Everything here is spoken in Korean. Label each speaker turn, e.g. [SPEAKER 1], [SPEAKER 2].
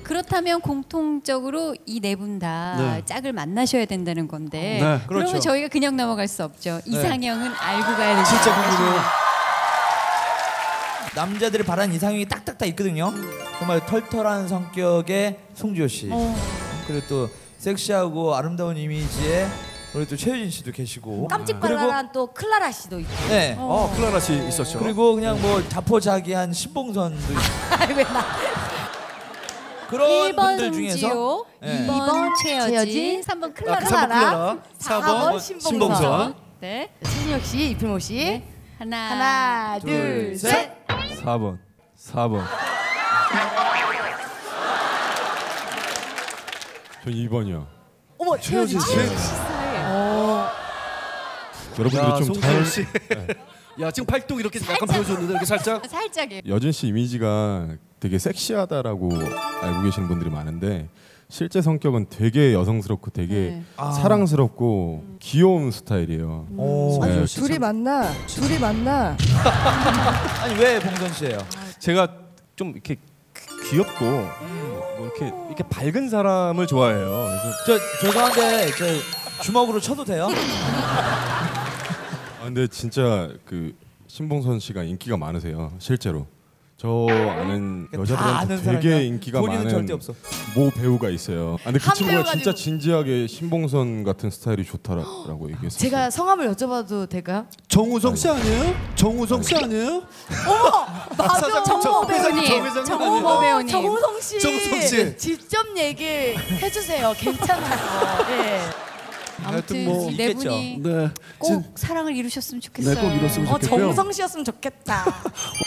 [SPEAKER 1] 그렇다면 공통적으로 이 네 분 다
[SPEAKER 2] 네.
[SPEAKER 1] 짝을 만나셔야 된다는 건데
[SPEAKER 2] 네,
[SPEAKER 1] 그러면
[SPEAKER 3] 그렇죠.
[SPEAKER 1] 저희가 그냥 넘어갈 수 없죠. 이상형은 알고 가야 되죠.
[SPEAKER 3] 진짜 궁금해요. 남자들이 바라는 이상형이 딱딱딱 있거든요. 정말 털털한 성격의 송지효 씨. 그리고 또 섹시하고 아름다운 이미지의 우리 또 최유진 씨도 계시고.
[SPEAKER 4] 깜찍발랄한 또 클라라 씨도 있고.
[SPEAKER 3] 네.
[SPEAKER 2] 클라라 씨 있었죠.
[SPEAKER 3] 그리고 그냥 뭐 자포자기한 신봉선도 있고.
[SPEAKER 4] 왜 나?
[SPEAKER 3] 그런
[SPEAKER 1] 1번
[SPEAKER 3] 분들 중에서
[SPEAKER 1] 송지효,
[SPEAKER 3] 네.
[SPEAKER 1] 2번
[SPEAKER 4] 최여진,
[SPEAKER 1] 최여진, 3번 클라라.
[SPEAKER 2] 3번 클라라,
[SPEAKER 4] 4번 신봉선.
[SPEAKER 1] 네.
[SPEAKER 4] 신혁 씨, 이필모 씨.
[SPEAKER 1] 하나,
[SPEAKER 4] 하나, 둘, 셋.
[SPEAKER 5] 4번. 전 2번이요.
[SPEAKER 4] 어머, 최여진 씨.
[SPEAKER 5] 여러분들이 좀 잘
[SPEAKER 2] 씨. 야 지금 팔뚝 이렇게 약간 보여줬는데 이렇게 살짝.
[SPEAKER 1] 살짝이에요.
[SPEAKER 5] 여진 씨 이미지가 되게 섹시하다라고 알고 계시는 분들이 많은데 실제 성격은 되게 여성스럽고 되게 사랑스럽고 귀여운 스타일이에요.
[SPEAKER 3] 오.
[SPEAKER 6] 둘이 만나.
[SPEAKER 3] 아니 왜 봉선 씨예요?
[SPEAKER 7] 제가 좀 이렇게 귀엽고 뭐 이렇게 밝은 사람을 좋아해요. 그래서
[SPEAKER 3] 죄송한데 저 주먹으로 쳐도 돼요?
[SPEAKER 5] 근데 진짜 그 신봉선 씨가 인기가 많으세요. 실제로. 저 아는
[SPEAKER 3] 다
[SPEAKER 5] 여자들한테
[SPEAKER 3] 아는
[SPEAKER 5] 되게
[SPEAKER 3] 사람이야.
[SPEAKER 5] 인기가
[SPEAKER 3] 본인은
[SPEAKER 5] 많은
[SPEAKER 3] 절대 없어.
[SPEAKER 5] 모 배우가 있어요. 근데 그
[SPEAKER 4] 한
[SPEAKER 5] 친구가
[SPEAKER 4] 배우
[SPEAKER 5] 진짜
[SPEAKER 4] 가지고.
[SPEAKER 5] 진지하게 신봉선 같은 스타일이 좋다라고 얘기했어요.
[SPEAKER 4] 제가 성함을 여쭤봐도 될까요?
[SPEAKER 2] 정우성 씨 아니에요? 정우성 씨 아니에요?
[SPEAKER 4] 맞아,
[SPEAKER 1] 정모 배우님,
[SPEAKER 2] 정회장님
[SPEAKER 1] 정모
[SPEAKER 2] 아니에요?
[SPEAKER 1] 배우님.
[SPEAKER 4] 정우성 씨.
[SPEAKER 2] 정우성 씨.
[SPEAKER 4] 직접 얘기해 주세요. 괜찮아요. 예.
[SPEAKER 1] 아무튼
[SPEAKER 2] 뭐
[SPEAKER 1] 이 네
[SPEAKER 3] 있겠죠.
[SPEAKER 1] 분이
[SPEAKER 2] 네.
[SPEAKER 1] 꼭 사랑을 이루셨으면 좋겠어요.
[SPEAKER 2] 네, 꼭 이뤘으면 좋겠고요.
[SPEAKER 4] 정우성 씨였으면 좋겠다.